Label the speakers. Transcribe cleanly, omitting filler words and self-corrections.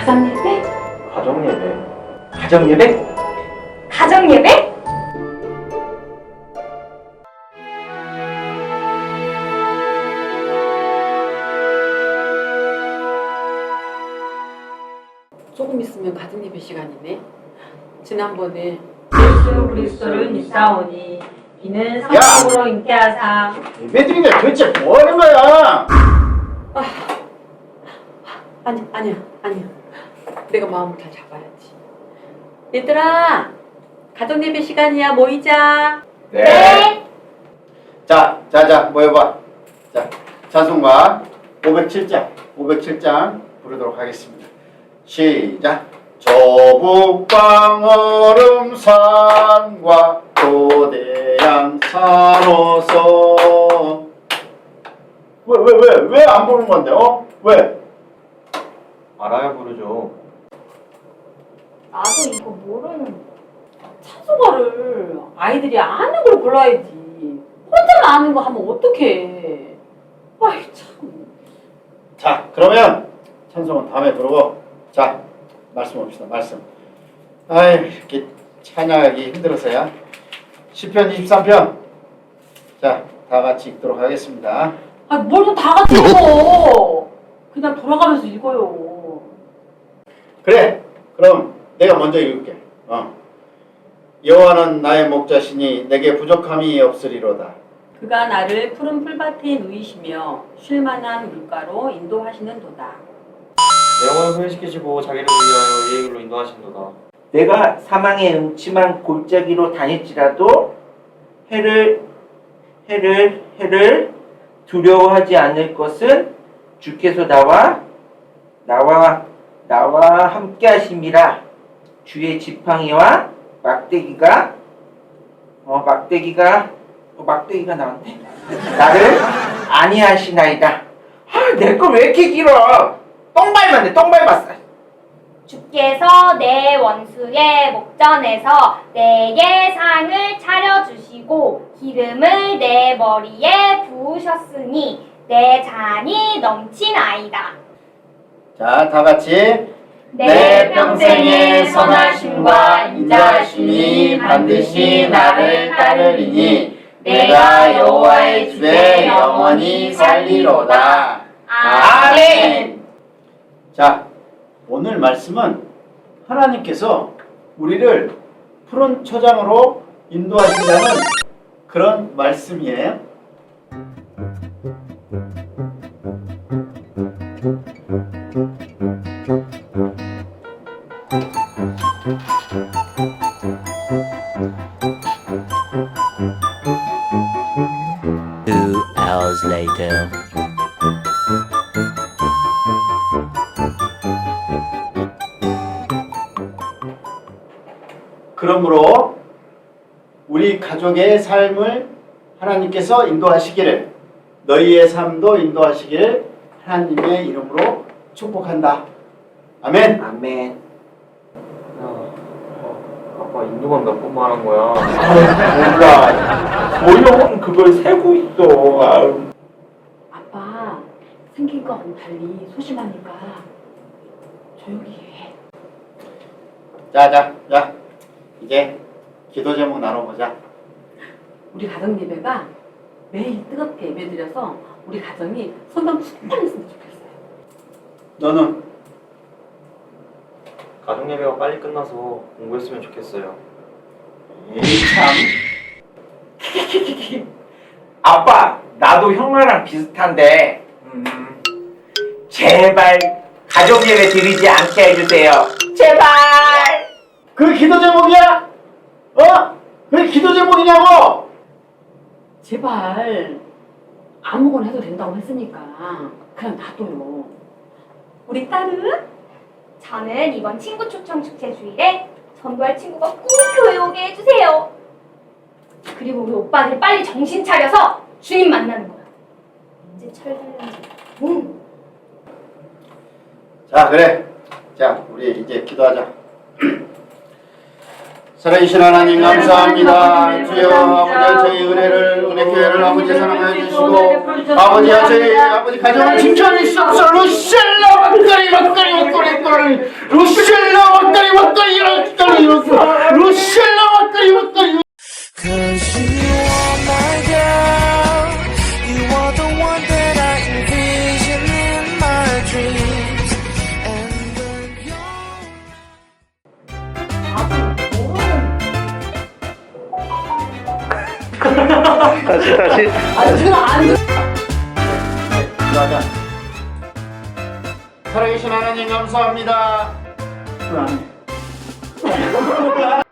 Speaker 1: 가정예배?
Speaker 2: 가정예배? 가정예배?
Speaker 1: 가정예배?
Speaker 3: 조금 있으면 가정예배 시간이네. 지난번에
Speaker 4: 예수 그리스도를 믿사오니 이는 성령으로 잉태하사
Speaker 2: 예배드리는데 도대체 뭐 하는 거야?
Speaker 3: 아니야. 내가 마음을 잘 잡아야지. 얘들아, 가정예배 시간이야. 모이자.
Speaker 2: 네. 자, 모여봐. 자, 찬송가 507장 부르도록 하겠습니다. 시작. 저북방 얼음산과 고대양 산호서. 왜 안 부르는 건데? 왜? 알아야 부르죠.
Speaker 1: 나도 이거 모르는데.
Speaker 3: 찬송가를 아이들이 아는 걸 골라야지. 혼자만 아는 거 하면 어떡해. 아이 참.
Speaker 2: 자, 그러면 찬송은 다음에 부르고, 자, 말씀 봅시다. 말씀. 이렇게 찬양하기 힘들어서야. 시편 23편. 자, 다 같이 읽도록 하겠습니다.
Speaker 3: 뭘 또 다 같이 읽어. 그냥 돌아가면서 읽어요.
Speaker 2: 그래. 그럼 내가 먼저 읽을게. 여호와는 나의 목자시니 내게 부족함이 없으리로다.
Speaker 3: 그가 나를 푸른 풀밭에 누이시며 쉴만한 물가로 인도하시는도다.
Speaker 5: 내 영혼을 후회시키시고 자기를 위하여 예의 길로 인도하신도다.
Speaker 6: 내가 사망의 음침한 골짜기로 다닐지라도 해를 두려워하지 않을 것은 주께서 나와 함께 하심이라. 주의 지팡이와 막대기가 나왔네. 나를 안위하시나이다. 내 거 왜 이렇게 길어? 똥 밟았어.
Speaker 1: 주께서 내 원수의 목전에서 내게 상을 차려주시고 기름을 내 머리에 부으셨으니 내 잔이 넘치나이다.
Speaker 2: 자, 다 같이.
Speaker 1: 내 평생의 선하심과 인자하심이 반드시 나를 따르리니 내가 여호와의 집에 영원히 살리로다. 아멘.
Speaker 2: 자, 오늘 말씀은 하나님께서 우리를 푸른 초장으로 인도하신다는 그런 말씀이에요.
Speaker 7: Two hours later.
Speaker 2: 그러므로 우리 가족의 삶을 하나님께서 인도하시기를, 너희의 삶도 인도하시기를 하나님의 이름으로 축복한다. 아멘.
Speaker 6: 아멘.
Speaker 5: 아빠 인도만 몇 번 말한 거야?
Speaker 6: 몰라. 모형은 그걸 세고 있어.
Speaker 3: 아빠 생긴 거하고 달리 소심하니까 조용히 해.
Speaker 2: 자, 이제 기도 제목 나눠보자.
Speaker 3: 우리 가정 예배가 매일 뜨겁게 예배드려서 우리 가정이 성경 충만했으면 좋겠어요.
Speaker 2: 너는?
Speaker 5: 가정예배가 빨리 끝나서 공부했으면 좋겠어요.
Speaker 2: 참.
Speaker 6: 아빠, 나도 형아랑 비슷한데 제발 가족예배 드리지 않게 해주세요. 제발.
Speaker 2: 그 기도 제목이야? 왜 기도 제목이냐고?
Speaker 3: 제발 아무거나 해도 된다고 했으니까 그냥 놔둬요. 우리 딸은?
Speaker 1: 저는 이번 친구 초청 축제 주일에 전도할 친구가 꼭 교회 오게 해주세요. 그리고 우리 오빠들 빨리 정신 차려서 주님 만나는 거야. 이제 철들는지.
Speaker 2: 자, 그래. 자, 우리 이제 기도하자. 살아계신 하나님 감사합니다. 주여 아버지 저희 은혜교회를 아버지 사랑해 주시고 아버지 저희 아버지 가정을 칭찬해 주시옵소서. 루셀라 막걸리 다시.
Speaker 3: 아, 지금 안 들.
Speaker 2: 가자. 살아계신 하나님 감사합니다.